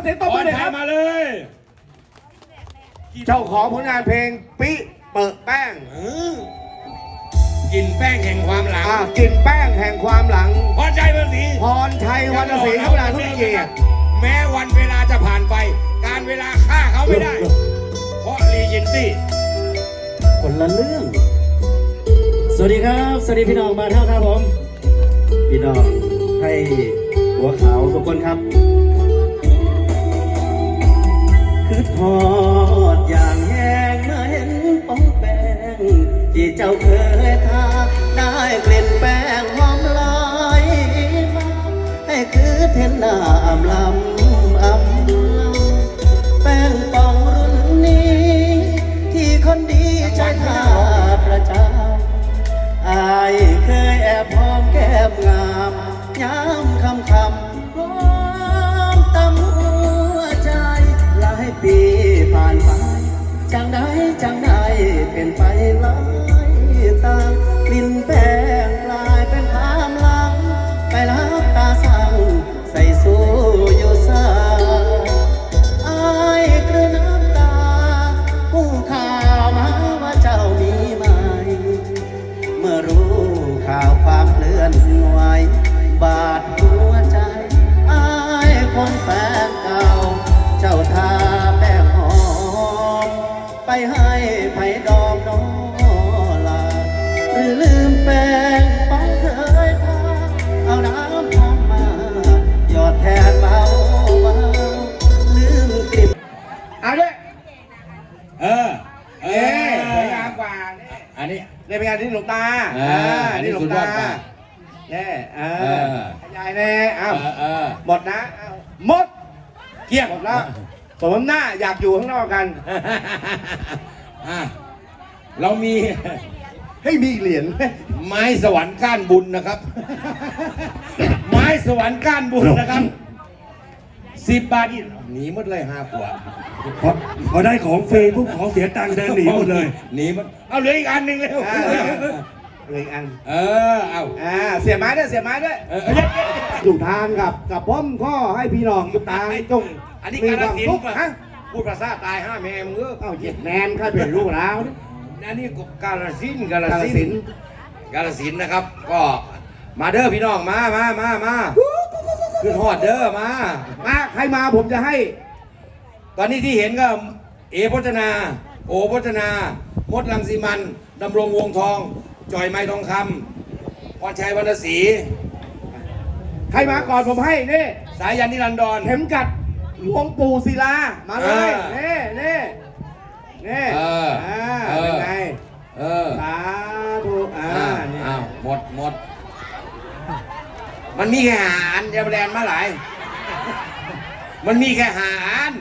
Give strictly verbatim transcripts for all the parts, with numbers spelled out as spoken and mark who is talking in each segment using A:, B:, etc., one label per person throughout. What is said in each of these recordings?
A: สียงตบมือหน่อยครับ
B: มาเลย
A: เจ้าของผลงานเพลงปิเปิดแป้ง
B: กินแป้งแห่งความหลัง
A: กินแป้งแห่งความหลัง
B: พรชัยวรรณศรี
A: พรชัยวรรณศรีครับเวลาทุกเกียรติ
B: แม้วันเวลาจะผ่านไปการเวลาฆ่าเขาไม่ได้เพราะรีเจนซี่
C: คนละเรื่องสวัสดีครับสวัสดีพี่น้องมาเท่าครับผมพี่น้องให้หัวขาวทุกคนครับคือทอดอย่างแห้งเมื่อเห็นป้องแป้งที่เจ้าเคยทาได้กลิ่นแป้งหอมลอยมาให้คือเทนน้ำลำอำแป้งปองรุ่นนี้ที่คนดีใจทาประจำอายเคยแอบหอมแก้มงามย้ำคำคำหอมตำหัวใจหลายปีผ่านไปจังได้จังได้เป็นไปหลายตางกลิ่นแป้งกลายเป็นความหลังไปรับตาสั่งใส่สู้อยู่สายอายกระน้ำตาผู้ข่าวมาว่าเจ้ามีไหมเมื่อรู้ข่าวความเคลื่อนไหวบาดหัวใจอายคนแฟนเก่าเจ้าทาแป้งหอมไปให้ไผ่ดอกน้อลาหรือลืมแป้งป้องเคยทาเอาน้ำหอมมาหยอดแทนเบาเบาลืมกลิ่น
A: เอาด้วย
B: เออ
A: เออสวยงามกว่า
B: อันนี้
A: ในเป็นงานที่หลวงตา
B: อ่านี่หลวงตา
A: แน่เออยายแน่เอาหมดนะหมด
B: เกี่ยง
A: หมดแล้วสมหน้าอยากอยู่ข้างนอกกัน
B: เรามี
A: ให้มีเหรียญ
B: ไม้สวรรค์ก้านบุญนะครับไม้สวรรค์ก้านบุญนะครับสิบบาทนี่หนีหมดเลยห้าขวด
D: พอพอได้ของฟรีปุ๊บของเสียตังค์เดินหนีหมดเลย
B: หนีมันเอาเหลืออีกอันหนึ่งเร็ว
A: เหลืออีกอัน
B: เออเอา
A: อ่าเสียไม้ด้วยเสียไม้ด้วยอยู่ทางกับกับพ่อมข้อให้พี่น้องอยู่ทางจง
B: อันนี้การสินฮะพูดภาษาตายห้าแม่มึงเออ
A: เอ้าเจ็ดแมนข้าเป็นลูกแล้ว
B: อันนี้การสินการสินการสินนะครับก็มาเด้อพี่น้องมามามามาขึ้นหอดเด้อมา
A: มาใครมาผมจะให้
B: ตอนนี้ที่เห็นก็เอพจนาโอพจนามดรังสีมันดำรงวงทองจอยไม้ทองคำพรชัยวรรณศรี
A: ใครมาก่อนผมให้นี่
B: สายันนิรันดร
A: เข็มกัดหลวงปู่ศิลามาเลยนี่นี่นี่
B: เออ
A: เป็นไง
B: เออ
A: สาธุอ่า
B: อ้าวหมดหมดมันมีแค่หาอันจะแบรนด์มาหลายมันมีแค่หาอัน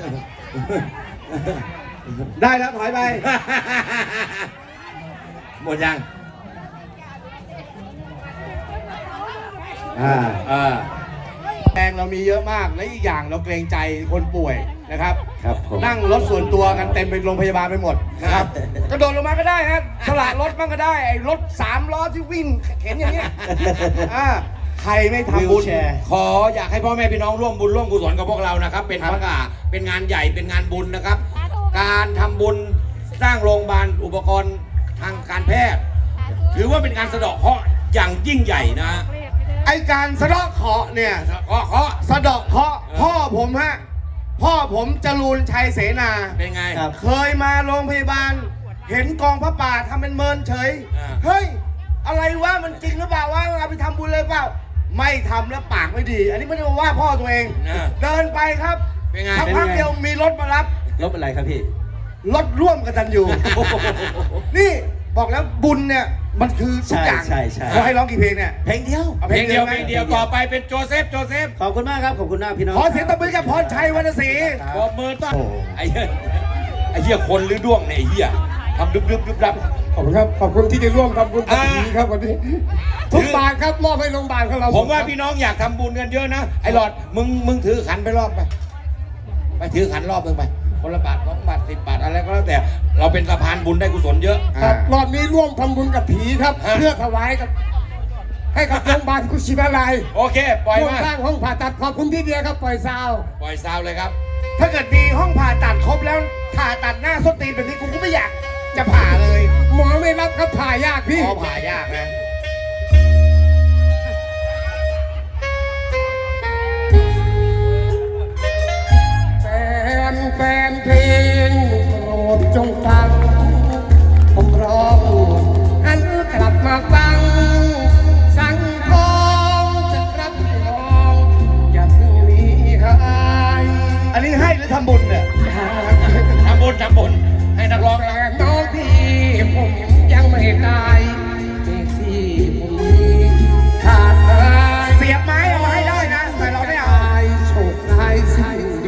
A: ได้แล้วถอยไป
B: หมดยัง
A: อ่า
B: อ่า
A: แรงเรามีเยอะมากและอีกอย่างเราเกรงใจคนป่วยนะครับ
C: ครับ
A: นั่งรถส่วนตัวกันเต็มไปโรงพยาบาลไปหมดนะครับกระโดดลงมาก็ได้ฮะสละรถบ้างก็ได้ไอ้รถสามล้อที่วิ่งเข็นอย่างเงี้ยอ่าใครไม่ทำบุญ
B: ขออยากให้พ่อแม่พี่น้องร่วมบุญร่วมกุศลกับพวกเรานะครับเป็นพระกาเป็นงานใหญ่เป็นงานบุญนะครับการทำบุญสร้างโรงพยาบาลอุปกรณ์ทางการแพทย์ถือว่าเป็นการสะเดาะเคราะห์อย่างยิ่งใหญ่นะ
A: ไอการสะเดาะเคราะห์เนี่ย
B: เคราะห์เคราะห์
A: สะเดาะเคราะห์พ่อผมฮะพ่อผมจรูนชัยเสนา
B: เป็นไง
A: เคยมาโรงพยาบาลเห็นกองพระป่าทำเป็นเมินเฉยเฮ้ยอะไรวะมันจริงหรือเปล่าวะเอาไปทำบุญเลยเปล่าไม่ทำแล้วปากไม่ดีอันนี้ไม่ได้มาว่าพ่อตัวเองเดินไปครับสักพักเดียวมีรถมารับ
C: รถอะไรครับพี่
A: รถร่วมกันตันอยู่นี่บอกแล้วบุญเนี่ยมันคือทุกอย่าง
C: ใช่ใช่
A: เขาให้ร้องกี่เพลงเนี่ย
C: เพลงเดียว
B: เพลงเดียวเพลงเดียวต่อไปเป็นโจเซฟโจเซฟ
C: ขอบคุณมากครับขอบคุณมากพี่น้อง
A: ขอเสียงตบมือกับพรชัยวรรณศรี
B: ขอบมือต้อนไอ้เหี้ยไอ้เหี้ยคนหรือด้วงเนี่ยไอ้เหี้ยทำดึบดึบดึบดับ
A: ขอบคุณครับขอบคุณที่ได้ร่วมทำบุญกับพี่ครับวันนี้ทุกบาทครับมอบให้โรงพยาบาลของเรา
B: ผมว่าพี่น้องอยากทำบุญกันเยอะนะไอ้หลอดมึงมึงถือขันไปรอบไปไปถือขันรอบนึงไปคนละบาทสองบาทสิบบาทอะไรก็แล้วแต่เราเป็นสะพานบุญได้กุศลเยอะ
A: ครับรอบนี้ร่วมทำบุญกับผีครับเพื่อถวายกับ
E: ให้กับโรงพยาบาลกุชินาลัย
B: โอเค ปล่อย
E: ร่วม
B: มา
E: สร้างห้องผ่าตัดขอบคุณพี่เดียครับปล่อยซาว
B: ปล่อยซาวเลยครับ
A: ถ้าเกิดมีห้องผ่าตัดครบแล้วผ่าตัดหน้าส้นตีนแบบนี้กูก็ไม่อยากจะผ่าเลย
E: หมอไม่รับครับผ่ายากพี่
A: พอผ่ายากนะ
E: แฟนแฟนเพลงโปรดจงฟัง ผมร้องหันกลับมาฟัง สั่งทองจะรับรองอย่าเพิ่งหนีหาย
A: อันนี้ให้หรือทำบุญเนี่ย
B: ทำบุญทำบุญให้นักร้อง
E: แฟนน้องพี่ผมยังไม่ตายมีที่ผมมีขาดตาย
A: เสียบไม้เอามาให้ได้นะ แต่เราไม่เอา
E: โชคร้ายสิ่งดี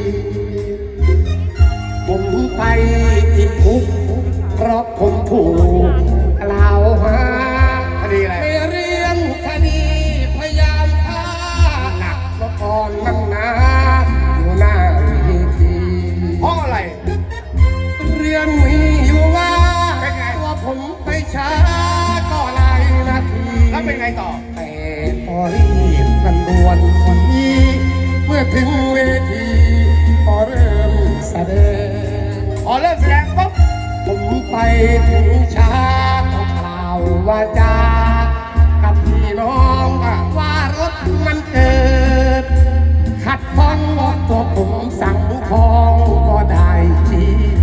E: ผมไปติดคุกเพราะผมถูกกล่าวหา
A: คดีอะไร
E: ในเรื่องคดีพยายามฆ่าหนักเมื่อก่อนมันหนาอยู่หน้าเวที
A: เพราะอะไร
E: เรื่องมีอยู่ว่า
A: เป็นไง
E: ว่าผมไปช้าก็หลายนาที
A: แล้วเป็นไงต่อ
E: แต่พอรีบกันด่วนคนนี้เมื่อถึงเวทีพอเริ่มแสดง
A: พอเริ่มแสดงปุ๊บ
E: ผมไปถึงช้าก็กล่าวว่าจากับพี่น้องว่ารถมันเกิด ขัดข้องตัวผมสั่งทองก็ได้ที